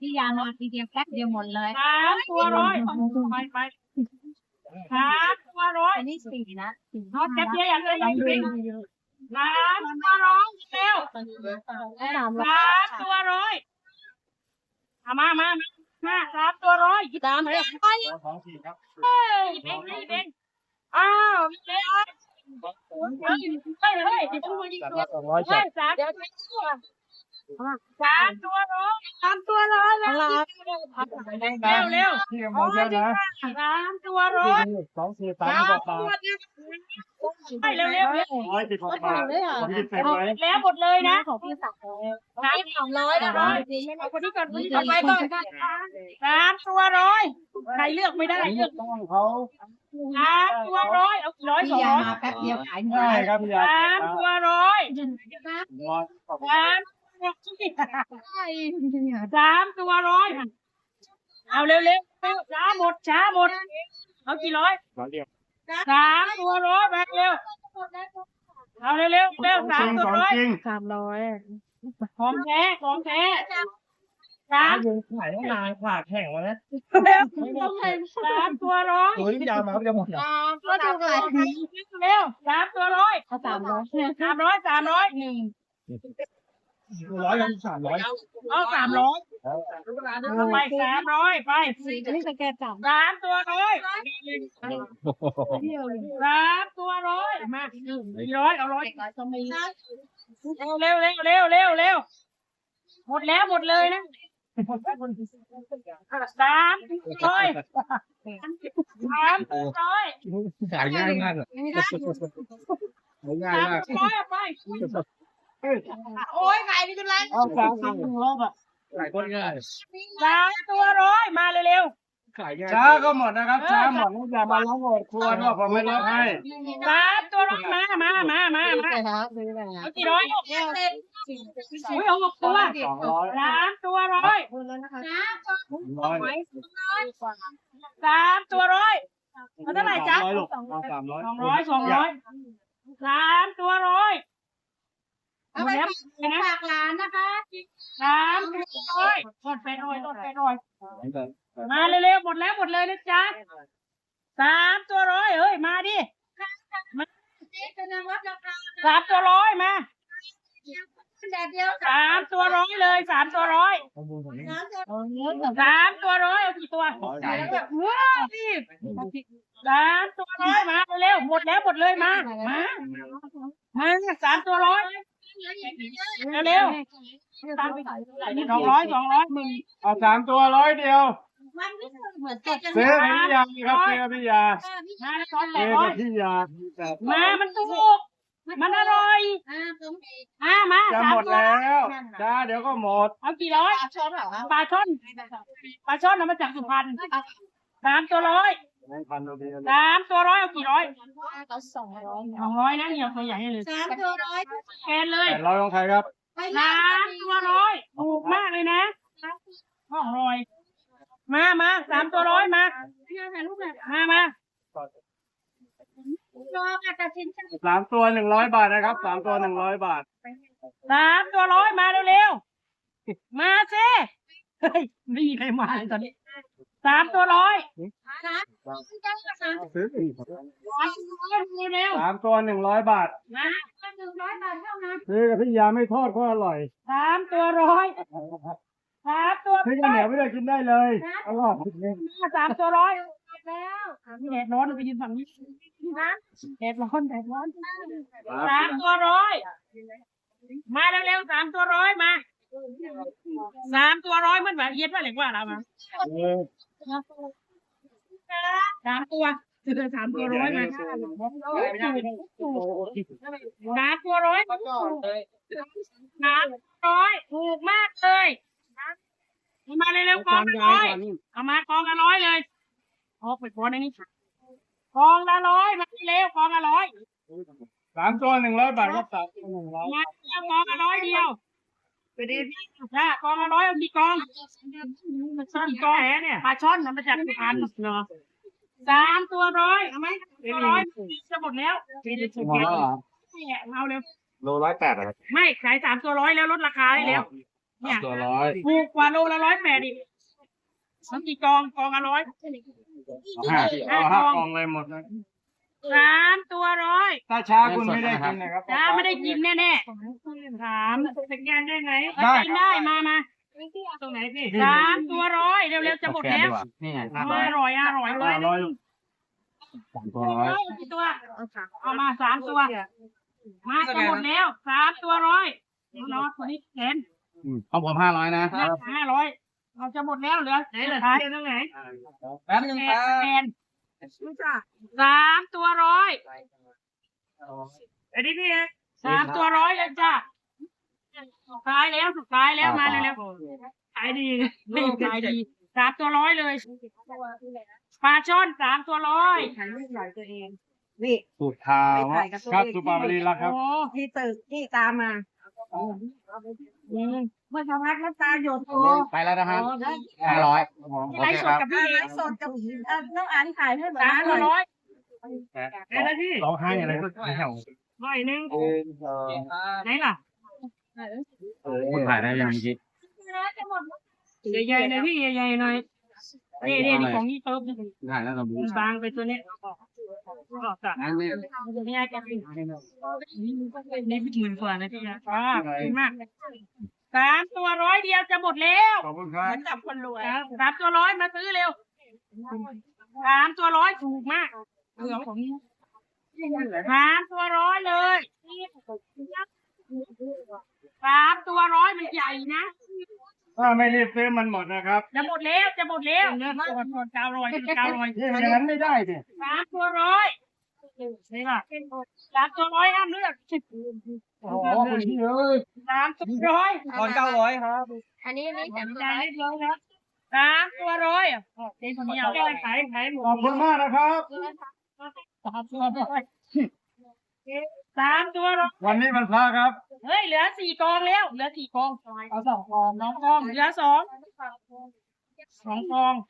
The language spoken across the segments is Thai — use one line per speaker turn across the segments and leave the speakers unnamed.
พี่ยามาทีเดียวแป๊บเดียวหมดเลย
3 ตัวร้อยไป3 ตัวร้อย
อันนี้สี่นะ
นอตแก๊ปเยอะอย่างเลยยังจริง3 ตัวร้อยเร็ว3 ตัวร้อยมา3 ตัวร้อย3เลยหยิบเองอ้าวเร็วเฮ้ย3 ตัวร้อย3 ตัวร้อยแล้ว3 เร็ว3 ตัวร้อยไปเร็วแล้วหมดเลยนะของพี่สั่ง300นะเอาคนนี้ก่อนเอาไปก่อน3 ตัวร้อยใครเลือกไม่ได้เลือก3 ตัวร้อยเอากี่ร้อย
พี่ยา
200
มาแป๊บเดียวขายหมด
ใช่ครับพี่ยา
3 ตัวร้อย3 ตัวร้อยเอาเร็วช้าหมดเอากี่ร้อย3 ตัวร้อยไปเร็วเอาเร็ว3 ตัวร้อยของแท้
ขายนานขาแข็งวะนะ
3 ตัวร้อย
โอ้ยพี่ยามาจะหมดเหรอ
ก็ดูเลยเร็ว3 ตัวร้อย
เอา300
300
100กัน300
เอา300ไป300ไป
อันนี้สแกน
3 ตัวร้อย3 ตัวร้อยมา400เอา100เร็วหมดเลยนะ3 ร้อย
ขายง่ายมากเลยง่ายมาก
300ไปโอ้ยขายดีจังเลย
เอา3 ขายคนง่าย
3 ตัวร้อยมาเร็ว
ขายง่ายช้าก็หมดนะครับช้าหมดอย่ามาล้างหมดครัวด้วยผมไม่ลดให้
3 ตัวร้อยมาเอากี่ร้อยเอา6 ตัว3 ตัวร้อย3 ตัวร้อยเอาเท่าไหร่จ๊ะ3 ตัวร้อย
เอาไปฝากร้านนะคะ
3 ตัวร้อยทอดเป็ดหน่อยมาเร็วหมดเลยนะจ๊ะ3 ตัวร้อยเฮ้ยมาดิ3 ตัวร้อยมา3 ตัวร้อยเลย3 ตัวร้อย3 ตัวร้อยเอากี่ตัว3 ตัวร้อยมาเร็วหมดเลยมา3 ตัวร้อยเร็ว200มึง
เอา3 ตัว100เดียวซื้อพี่ยาครับพี่ยา
มามันถูกมันอร่อยมา
จะหมดแล้วจ้าเดี๋ยวก็หมด
เอากี่ร้อยปลาช่อนเอามาจากสุพรรณ3 ตัวร้อย3 ตัวร้อยเอากี่ร้อย200นะเนี่ยตัวใหญ่เลย
3 ตัวร้อย
แกนเลย
800ของใครครับ
3 ตัวร้อยถูกมากเลยนะ200มา3 ตัวร้อยมา
3 ตัว100 บาทนะครับ3 ตัว100 บาท
3 ตัวร้อยมาเร็วมาสิเฮ้ยไม่มีใครมาเลยตอนนี้3 ตัวร้อย
3 ตัว100 บาท
มา100 บาทเท่านั้น
ซื้อกับพี่ยาไม่ทอดก็อร่อย
3 ตัวร้อย3 ตัว
ซื้อข้าวเหนียวไม่ได้กินได้เลยอร่อย
3 ตัวร้อยแล้วแดดร้อนเราไปยืนฝั่งนี้นะแดดร้อน3 ตัวร้อยมาเร็ว3 ตัวร้อยมา3 ตัวร้อยมันแบบเย็ดว่าเหล็กว่าเรามา3 ตัว3 ตัวร้อยมา3 ตัวร้อยถูกมากเลยมาเร็วกองละ100เอามากองละ100เลยออกไปก่อนในนี้กองละ100มาเร็วกองละ100
3 ตัว100 บาทครับ3 ตัว100
มากองละ100เดียวไปดีจ้ากองละ100เอากี่กองกี่กองแหเนี่ยปลาช่อนมันมาจากสุพรรณเนาะ3 ตัวร้อยเอาไหม100จะหมดแล้วเอาเร็ว
โล108ครับ
ไม่ขาย3 ตัวร้อยแล้วลดราคาได้แล้วเนี่ย
ตัวร้อย
ถูกกว่าโลละ180อีกมันกี่กองละ100
เอาห้ากองเลยหมดเลย
3 ตัวร้อย
ถ้าช้าคุณไม่ได้กินนะครับ
จ้าไม่ได้กินแน่ๆ3สแกนได้ไหม
ได้
กินได้มาตรงไหนพี่3 ตัวร้อยเร็วๆจะหมดแล้ว
นี่ไง
อร่อยเลย
ร้อยสามตัวร้อย
กี่ตัวเอามา3 ตัว มาจะหมดแล้ว3 ตัวร้อยรอตัวนี้แขน
ของผม500นะ
500เราจะหมดแล้วเหลือไหนเหลือท้ายตรงไหน
แป๊บนึงครับ
แขน3 ตัวร้อยอันนี้พี่3 ตัวร้อยเลยจ้ะสุดท้ายแล้วมาเร็วๆขายดี3 ตัวร้อยเลยปลาช่อน3 ตัวร้อย
นี่
สุดท้ายครับสุปาบรีแล้วครับ
โอ้
ที่ตึกที่ตามมาเมื่อสักพักน้ำตาหยดโอ้
ไปแล้วนะครับ500โอ
ไล
เค
ฟ์ส
ค
ด
รับ
กับพี่
ไลฟ์สดกับน้องอันถ่ายให้หน่อย
3 ตัวร้อยอะไรพี่
ร้องไห้อะไรก็ไม่เอา
ร้อยหนึ่งไหนล่ะ
คุณถ่ายได้ยังเมื่อกี้
ใหญ่ๆเลยพี่ใหญ่ๆหน่อยนี่ของนี่เติม
ถ่ายแล้วเราดู
บางไปตัวนี้นี่ไงแกเป็นนี่เป็น10,000กว่านะพี่นะขอบคุณมาก3 ตัวร้อยเดียวจะหมดแล้ว
ขอบคุณครับ
จับคนรวย
3 ตัวร้อยมาซื้อเร็ว3 ตัวร้อยถูกมากเหลือของนี้3 ตัวร้อยเลย3 ตัวร้อยมันใหญ่นะ
ถ้าไม่รีบซื้อมันหมดนะครับ
จะหมดแล้วหมด900
นี่มันอย่างนั้นไม่ได้สิ
3 ตัวร้อยนี่ล่ะ3 ตัวร้อยห้ามเลือก
โอ้โหคุณพี่เอ้ย
3 ตัวร้อย
ตอน900ครับ
อันนี้แต่
ใจเล็กน้อยครับ3 ตัวร้อยเจ๊คนนี้เอาได้ขายหม
ขอบ
ด
คุณมากนะครับ
3 ตัวร้อย3 ตัวร้อย
วันนี้มันพระครับ
เฮ้ยเหลือ4 กองแล้วเหลือ4 กองเอา2 กอง2 กองเหลือ2 กอง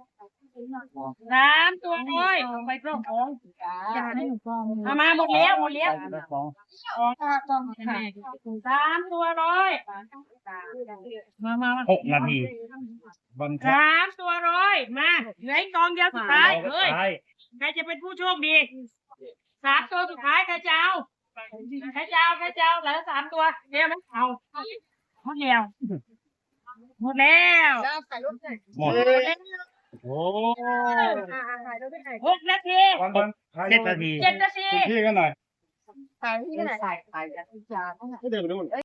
3 ตัวร้อยไปเพิ่มของเอามาหมดแล้วกอง3 ตัวร้อยมา
6 นาทีบันทึก
3 ตัวร้อยมาเหลืออีกกองเดียวสุดท้ายเฮ้ยใครจะเป็นผู้โชคดี3 ตัวสุดท้ายใครจะเอาเหลือ3 ตัวเดียวไหมเอาหมดแล้ว
หมด
แล้ว
โอ้
6 นาที
7 นาที
7 นาที
คุณพี่กันหน่อย
ถ่ายที่ไหนถ่ายจากที่จาน
ก็เดินไปนู่น